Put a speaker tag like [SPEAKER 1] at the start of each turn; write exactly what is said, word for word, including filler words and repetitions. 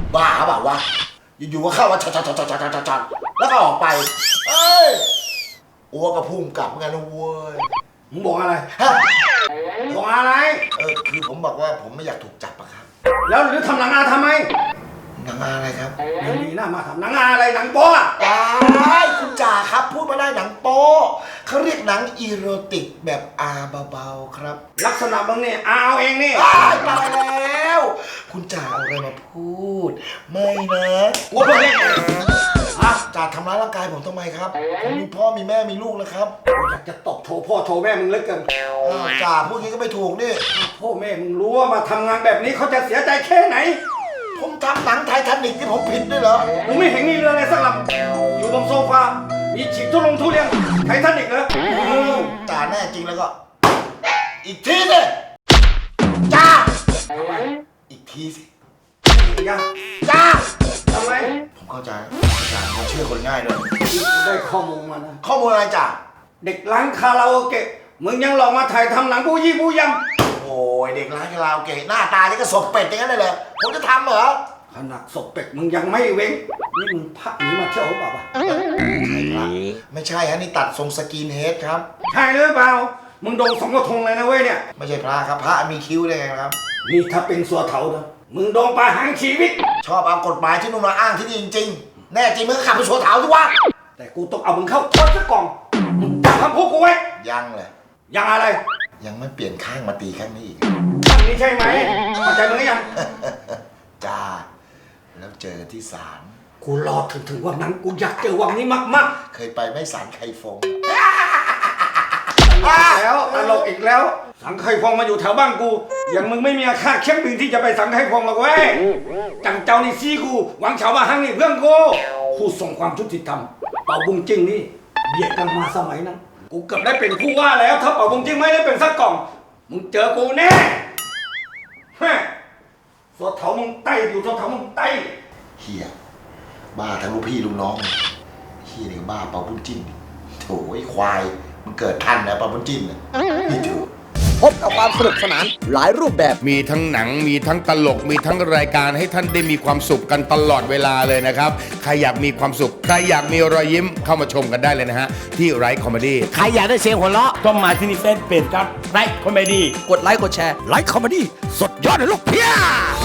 [SPEAKER 1] บ้าเปล่าวะอยู่ๆก็เข้ามาชัดๆๆๆๆแล้วก็ออกไปเอ้ยอ้วกกระพุ่งกลับเหมือนกันนะเว้ย
[SPEAKER 2] มึงบอกอะไร
[SPEAKER 1] ฮะ
[SPEAKER 2] บอกอะไร
[SPEAKER 1] เออคือผมบอกว่าผมไม่อยากถูกจับอะครับ
[SPEAKER 2] แล้วหรือทำหนังอาทำไม
[SPEAKER 1] หนังอะไรครับ
[SPEAKER 2] ยังมีหน้ามาทำหนังอาอะไรหนังโป๊อะ
[SPEAKER 1] ได้คุณจ่าครับพูดมาได้หนังโป๊เขาเรียกหนังอีโรติกแบบอาเบาๆครับ
[SPEAKER 2] ลักษณะมึงเนี่ยอาเอาเองนี่
[SPEAKER 1] ตายตายแล้ว คุณจ่าเอาอะไรมาพูด ไม่นะ
[SPEAKER 2] ว่าพวกนี้
[SPEAKER 1] อ่ะจ่าทำร้ายร่างกายผมทำไมครับผมมีพ่อมีแม่มีลูกนะครับ
[SPEAKER 2] อยากจะตบโชว์พ่อโชว์แม่มึงเหลือเกิน
[SPEAKER 1] อ้าวจ่าพูดงี้ก็ไม่ถูกนี่
[SPEAKER 2] พ่อแม่มึงรู้ว่ามาทำงานแบบนี้เขาจะเสียใจแค่ไหน
[SPEAKER 1] ผมทำหนังไททานิกที่ผมผิดด้วยเหรอ
[SPEAKER 2] มึงไม่เห็นมีเรืออะไรสักลำอยู่บนโซฟา มีฉีกทุลงทุเรียนไททานิกเหรอ
[SPEAKER 1] จ่าแน่จริงแล้วก็ อีกทีสิจ่าอีกทีสิ
[SPEAKER 2] ยัง
[SPEAKER 1] จ่า
[SPEAKER 2] ทำไม
[SPEAKER 1] ผมเข้าใจจ่าเขาเชื่อคนง่ายเลย
[SPEAKER 2] ได้ข้อมูลมานะ
[SPEAKER 1] ข้อมูลอะไรจ่า
[SPEAKER 2] เด็กร้านคาราโอเกะ มึงยังหลอกมาถ่ายทำหนังผู้ยี่ผู้ยำ
[SPEAKER 1] โอ้ยเด็กร้านคาราโอเกะหน้าตาที่ก็ศพเป็ดอย่างนั้นเลยเหรอผมจะทำเหรอ
[SPEAKER 2] ขนาดศพเป็ดมึงยังไม่เว้ง นี่มึงพักหนีมาเที่ยวหรือเปล่าวะ
[SPEAKER 1] ไม่ใช่ฮะนี่ตัดทรงสกินเฮดครับ
[SPEAKER 2] ใช่หรือเปล่า มึงโดนสองกระทงเลยนะเว้ยเนี่ย
[SPEAKER 1] ไม่ใช่พระครับพระมีคิ้วได้ไงครับ
[SPEAKER 2] นี่ถ้าเป็นสัวเถานะมึงโดนประหารชีวิต
[SPEAKER 1] ชอบเอากฎหมายที่นู่นมาอ้างที่นี่จริงๆ แน่จริงมึงก็ขับไปโชว์เถาสิวะ
[SPEAKER 2] แต่กูต้องเอามึงเข้าทอดซะก่อนมึงจำคำพูดกูไว้
[SPEAKER 1] ยังเลย
[SPEAKER 2] ยังอะไร
[SPEAKER 1] ยังไม่เปลี่ยนข้างมาตีข้างนี้อีก
[SPEAKER 2] คำนี้ใช่ไหมเข้าใจมึงหรือยัง
[SPEAKER 1] จ้า แล้วเจอกันที่ศาล
[SPEAKER 2] กูรอถึงถึงวันนั้นกูอยากเจอวันนี้มาก
[SPEAKER 1] เคยไปไหม่ศาลไคฟง
[SPEAKER 2] ๆแล้วตลกอีกแล้ว สังไคฟองมาอยู่แถวบ้านกู อย่างมึงไม่มีค่าเช็คบินที่จะไปสังไคฟองหรอกเว้ย จังเจ้านี่ซี่กู หวังเฉามาหังนี่เพื่อนกูผู้ส่งความยุติธรรม เป่าบุงจิ้งนี่เบียดกันมาสมัยนั้น กูเกือบได้เป็นผู้ว่าแล้ว ถ้าเป่าบุงจิ้งไม่ได้เป็นสักกล่อง มึงเจอกูแน่ฮะสัวเถามึงไต้อยู่สัวเถามึงไต้
[SPEAKER 1] เฮียบ้าทั้งลูกพี่ลูกน้องเฮียนี่ก็บ้าเปาบุญจิ้นโถ่ไอ้ควายมันเกิดทันนะเปาบุญจิ้นน่ะนี่ถูก
[SPEAKER 3] พบกับความสนุกสนานหลายรูปแบบ
[SPEAKER 4] มีทั้งหนังมีทั้งตลกมีทั้งรายการให้ท่านได้มีความสุขกันตลอดเวลาเลยนะครับใครอยากมีความสุขใครอยากมีรอยยิ้มเข้ามาชมกันได้เลยนะฮะที่ไรคอมเมดี้
[SPEAKER 3] ใครอยากได้เสียงหัวเราะ
[SPEAKER 5] ต้องมาที่นี่เฟซเพจครับไลค์คอมเมดี้
[SPEAKER 3] กดไลค์กดแชร์ไลค์คอมเมดี้สดยอดเลยลูกเพีย